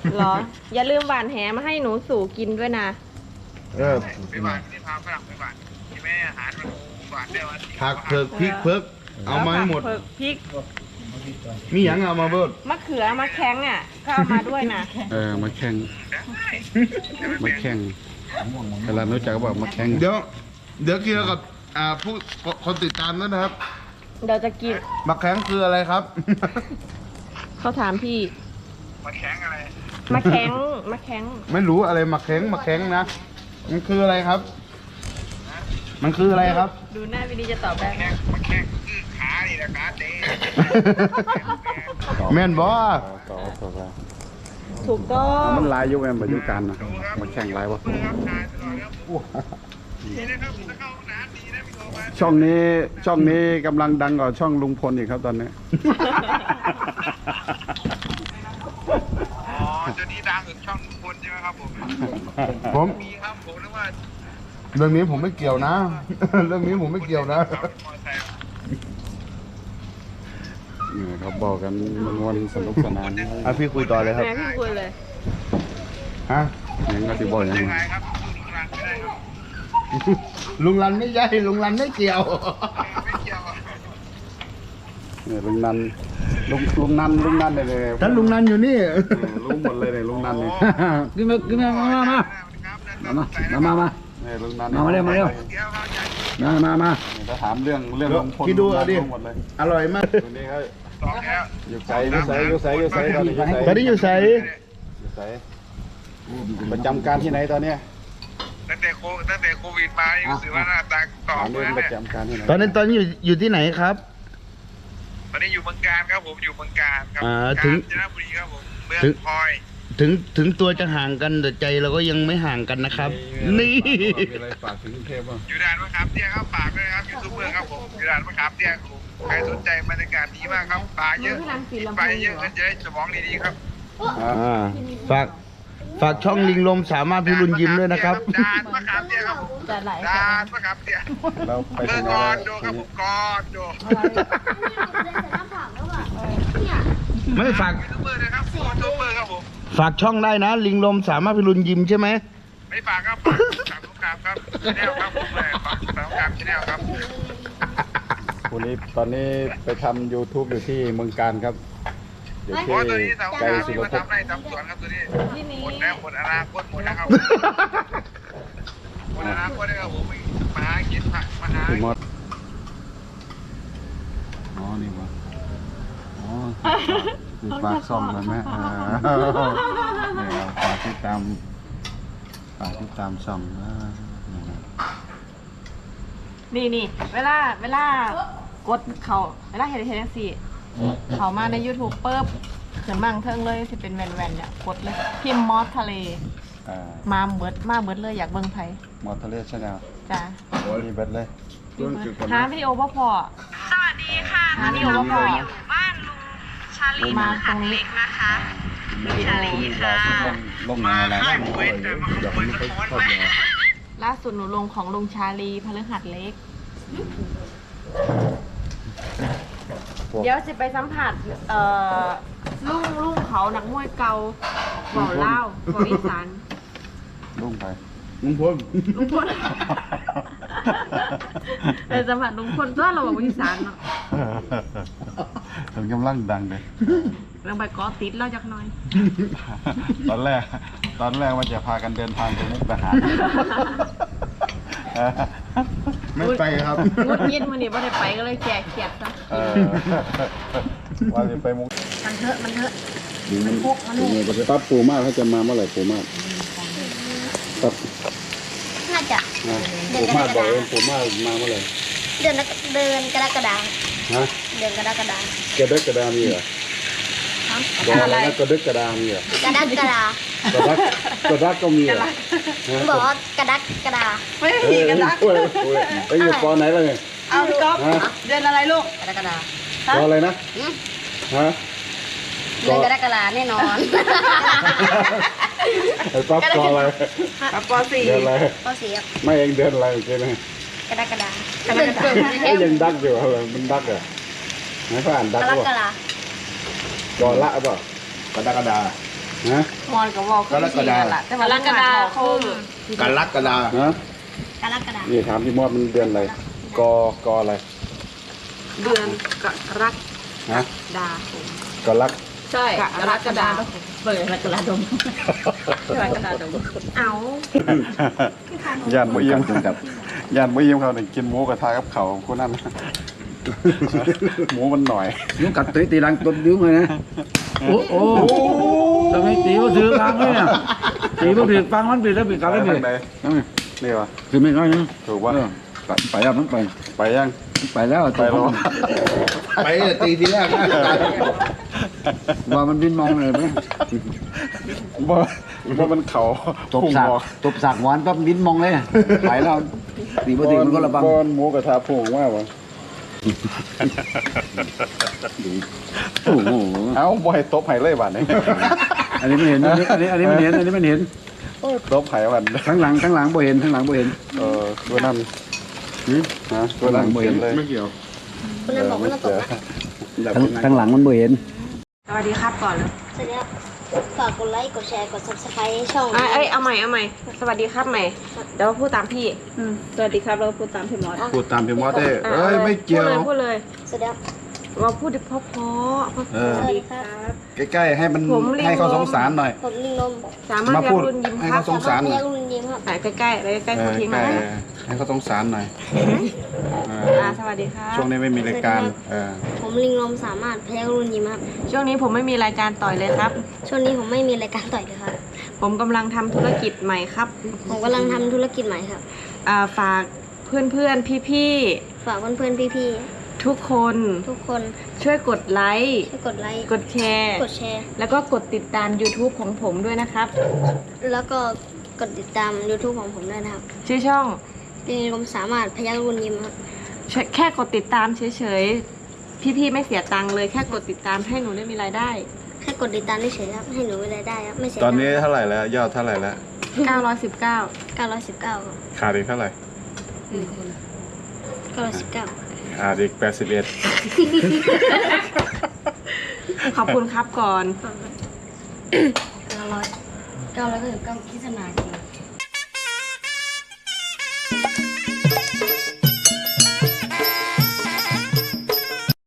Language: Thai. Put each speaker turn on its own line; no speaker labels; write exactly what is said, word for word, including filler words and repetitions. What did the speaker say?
เหรออย่าลืมหวานแหมาให้หนูสู่กินด้วยนะ
เออ
ไม่หวานที่พาฝรั่งไม่หวานที่แม่อาหารมันหวานได้วัน
ผักเผือกพริกเผือกเอามาให้หมด
เผือกพริก
มีหยังเอามาเบิด
มะเขือมะแข้งอ่ะก็เอามาด้วยนะ
เออมาแข่งมาแข่งเวลารู้จักก็บอกมาแข่ง
เดี๋ยวเดี๋ยวเคลียร์กับอ่าผู้คนติดตามด้วยนะครับ
เดี๋ยวจะกิน
มะแข้งคืออะไรครับ
เขาถามพี่
มาแข็งอะไร
มะแข้งมะแข้ง
ไม่รู้อะไรมะแข้งมะแข้งนะมันคืออะไรครับ มันคืออะไรครับ
ดูหน้าวินีจะตอบได้ไหม
มาแข็งคือขานี่นะขาเต้
แม่นบ่
ต่อต่อไป
ถูกต้อง
มันลายยุคแม่ปัจจุบันนะมาแข่งลายวะ
ครับชายตลอดครับนี่นะครับถ้าเข้าห้องน้ำดีนะพี่โทรมา
ช่องนี้ช่องนี้กำลังดังกว่าช่องลุงพลอีกครับตอนนี้
อ๋อจะนี่ดังถึงช่องทุกคนใช่ไหมครับผม
ผม
มีครับผมนึกว่า
เรื่องนี้ผมไม่เกี่ยวนะ เรื่องนี้ผมไม่เกี่ยวนะ
นี่เขาบอกกันมันวันสนุกสนาน
อ่ะพี่คุยต่อเลยครับ
แม่พี่คุยเลย
ฮะ
ยังก็ที่บอกอย่าง
ยัง
นี้
ไงครับสู้ลุงรันไม่ได้ครับ
ลุงรันไม่ใช่ลุงรันไม่เกี่ยว
ไม่เกี่ยว
เนี่ยลุงนันลุงลุงนันลุงนันเลยเลย
ท่านลุงนันอยู่นี่
รู้หมดเลยเนี่ยลุงนันเนี่ย
กินมากินมามามามามามามา
เนี่ยลุงนัน
มามาเร็วมาเร็ว มามามา
ถ้าถามเรื่องเรื่องลุงพล
คิดดูเอาดิ
ลุงนันรู้หมดเลย
อร่อยมาก
ตัวนี้เขา
สองแล้ว
อยู่ไสอยู่ไสอยู่ไสอยู่ไสตอนนี้อยู่ไส
ตอนนี้อยู่ไส
อยู่ไสประจำการที่ไหนตอนเนี้ย
ตั้งแต่โคตั้งแต่โควิดมานี่รู้สึกว่าหน้าตาตอ
ถา
บ
ม
เล
เรื่อย งป
เนี่
ระ
ย
จำการที่ไหน
ตอนนี้ตอนนี้อยู่อยู่ที่ไหนครับ
ตอนนี้อยู่เมืองการครับผมอยู่เมืองการครับ
อ่า
การ
ถึง
จนบุรีครับผมเมือง
ถึง
พลอย
ถึงถึงตัวจะห่างกันแต่ใจเราก็ยังไม่ห่างกันนะครับ นี่
มีอะไรฝากถึงกรุงเทพบ้าง
อยู่ด่านมะขามเตี้ยครับฝากด้วยนะครับยูทูบเบอร์ครับผมอยู่ด่านมะขามเตี้ยครับผมใครสนใจบรรยากาศดีมากครับปลาเยอะปลาเยอะเงินจะได้สมองดีๆครับ
อ่าฝากฝากช่องลิงลมสามารถพิรุณยิ้มด้วยนะครับ
ด่านมะขามเตี้ยครับผม
จะไหล
ด่านมะขามเตี้ย
เราไป
เบอ
ถึง
ร์
ไหน
กอ
แล้
น
ว
โดครับผมกอนโด
ไม่ฝาก
ยูทูบเบอร์นะครับยูทูบเบอร์ครับผม
ฝากช่องได้นะ ลิงลมสามารถพิรุณยิ้มใช่ไหม
ไม่ฝากครับฝากสามสงครามครับชแนลครับผมเลยฝากสามสงครามชแนลครับ
คุณนี้ตอนนี้ไปทำ YouTube อยู่ที่เมืองการครับอยู่
เพ
ที่
ราะตัวนี้สามสง
ไก
ค
ล
ราม
ศิ
ที่
ล
มา
ปภพ
ทำไรทำสวนครับตัวนี้
ที่นี้
หมดแล้วหมดอนาคตหมดแล้วครับหมดอนาคตแล้วครับผมมาหากินผักมาหา
พี่มดอ๋อนี่วะอ๋อคือฝากซ่อมเลยไหมอ่าเนี่ยฝากติดตามฝากติดตามซ่อมนะนี่นะ
นี่นี่เวลาเวลากดเขาเวลาเห็นเห็นสิเขามาใน YouTube เปิบเขียนมั่งเทิงเลยสิเป็นแวนๆเนี่ยกดเลยพิมพ์มอสทะเล
อ่า
มาเบิดมาเบิดเลยอยากเบิ่งไผ
มอเตอร์เลสชาแนล
จ้ะ
มีเบ็ดเลย
หาวิดีโอบ่พอสวัสดีค่ะหาวิดีโอบ่พออยู่บ้านลุงชาลีมาตรงนี้นะคะชาลีค่ะ
ลงมาอะไร
ให้หวยแต่มาขโมยกระท้อนไป
ล่าสุดหนูลงของลุงชาลีพฤหัสเล็ก เดี๋ยวจะไปสัมผัสเอ่อลุงลุงเขานักมวยเกาเบาเล่าวเบาอีสาน
ลงไป
ลุงพล
ลุงพลไปสัมผัสลุงพลตัวเราบอกว่าอีสานเนาะ
มันกำลังดังเลย
เราไปเกอติดเราจักหน่อย
ตอนแรก ตอนแรกว่าจะพากันเดินทางไปมุกดาหาร
ไม่ไปครับ
งดยินวันนี้ไม่ได้ไปก็เลยแก่เขียดซะ
เออว่าจะไปมุก
มันเถอะมันเถอะ
มันพกมันเลยปั๊บปูมากเขาจะมาเมื่อไหร่ปูมากปั๊บ
น่าจะ
นะปูมากบอกเองปูมากมาเมื่อไหร่
เดือนเดือนกรกฎาคม
ฮะ
เดือนกรกฎาคม
กระดึกกระดามีเหรอบอกอะไรนะกระดึกกระดามีเหรอก
ระดักกระดาก
ระดักกระดักก็มีเหรอ
บอกว่ากระดักกระดา
ไม่ได้
เอ
ผี
อ
กันนะ
โอ้ยโอ้ยไปอยู่ปอไหนแล้วเนี่ย
เอาพี่ก๊อฟ
ฮะ
เดือนอะไรลูก
กระดักกระดา
ปออะไรนะ
อืม
ฮะ
เดือนกรกฎาคมแน่นอน
ไอ้ปั๊บปออะไร
กับปสี่
เดือนอะไร
ก็เสีย
ไม่เองเดือนอะไรเมื่อกี้นะ
กระดักกระดาเดือนเกิด
ไอ้ยยังดักอยู่เหรอมันดักเหรอไหนเขาอ่านดัก
กร
ว่าก
ฎาคม
ปอละเปล่ากระดากระดา
นะ
มอนกับวอลคือก
รกฎา
แหละแต่ว่ากรกฎาคม
กันลักกระดาฮะ
กรกฎา
นี่ถามพี่มอดมันเดือนอะไรกอกออะไร
เดือนกรก
ฮะ
ฎาคม
กอลัก
ใช่กรกฎาเปิดกรกฎาคมกรกฎาคมเอา
ย่านบ่เยี่ยมกับย่านบ่เยี่ยมเขาเนี่ยกินหมูกระทะกับเขาคนนั้น หมูมันหน่อย
ยุงกัดตีตีรังตบยุงเลยนะโอ้โหทำไมตีก็ถือกลางเลยอ่ะตีก็ถือฟังมันปีแล้วปีกลาง
ไป
แล้วปี
ทางไหนนี่วะ
คือไม่ค่อยนะ
ถูกปะ
ไปแล้วมันไป
ไปยัง
ไปแล้ว
ไปแล้ว
ไปตีทีแรกนะ
ว่ามันบินมองเลยไหม
บ่บ่มันเขา
ตบสากตบสากหวานปั๊บบินมองเลยไปแล้วตีปกติมันก็ระบัง
บอนหมูกระทะพุ่งว่าวะ
โอ้โห
เอ้าบ่ให้ตบไห้เลยบัดนี้
อันนี้ไม่เห็นอันนี้อันนี้อันนี้ไม่เห็นอันนี้ไม่เห็น
ตบไห้บัด
ข้างหลังข้างหลังบ่เห็นข้างหลังบ่เห็น
เออตัวนั้นฮะตัวนั้นเห็นเลยไม่เกี่ยว
คุณนั้นบอกว่าต้องตกนะ
ข้างหลังมันบ่เห็น
สวัสดีครับก่อนเลย
สวัสดีครับฝากกดไลค์กดแชร์กด ซับสไครบ์ ให้ช่อง
อ่ะเอ้ยเอาใหม่เอาใหม่สวัสดีครับใหม่เดี๋ยวพูดตามพี่
สวัสดีครับเราพูดตามพี่มอส
พูดตามพี่มอสได้
อ่ะ
เอ้ยไม่เกี่ยว
พูดเลย
สวัสดีครับ
พูดเลยเราพูดเพราะเพราะเพราะ
เออ
สวัสดีครับ
ใกล้ๆให้มัน
ผมลิง
ให้เขาสงสารหน่อย
ผมลิงลม
สามารถ
มา
เรีย
พู
ก
ด
รุ่นยิ้ม
ให้
ครับ
เขาสงสารห
พ
น่อย
ยักรุ่นยิ้มครับ
ไหนใกล้ๆเลยใกล้
เอ
ๆ
อ
ทิ้ง
ใก
มา
ล้ให้เขาสงสารหน่อยเออ
อ่าสวัสดีครับ
ช่วงนี้ไม่มีรายการเออ
ผมลิงลมสามารถพยักรุ่นยิ้มครับ
ช่วงนี้ผมไม่มีรายการต่อยเลยครับ
ช่วงนี้ผมไม่มีรายการต่อยเลยครับ
ผมกำลังทำธุรกิจใหม่ครับ
ผมกำลังทำธุรกิจใหม่ครับ
อ่าฝากเพื่อนๆพี่
ฝากเพื่อนๆพี่
ๆทุกคน
ๆทุกคน
ช่วยกดไลค์
ช่วยกดไลค์
กดแชร์
กดแชร์
แล้วก็กดติดตาม YouTube ของผมด้วยนะครับ
แล้วก็กดติดตาม YouTube ของผมด้วยนะครับ
ชื่อช่อง
ลิงลมสามารถพยักรุ่นยิ้มครับ
แค่กดติดตามเฉยๆ พี่ๆไม่เสียตังค์เลยแค่กดติดตามให้หนูได้มีรายได้
แค่กดติดตามเฉยๆครับให้หนูมีรายได้ครับไม่เสีย
ตอนนี้เท่าไหร่แล้วยอดเท่าไหร่แล้ว
เก้าร้อยสิบเก้า
เก้าร้อยสิบเก้าครับ
ขาดอีกเท่าไหร่
เก้าร้อยสิบเก้า
ขาดอีกแปดสิบเอ็ด
ขอบคุณครับก่อน
เก้าร้อยเก้าร้อยเก้าสิบเก้าคิดสนาจริง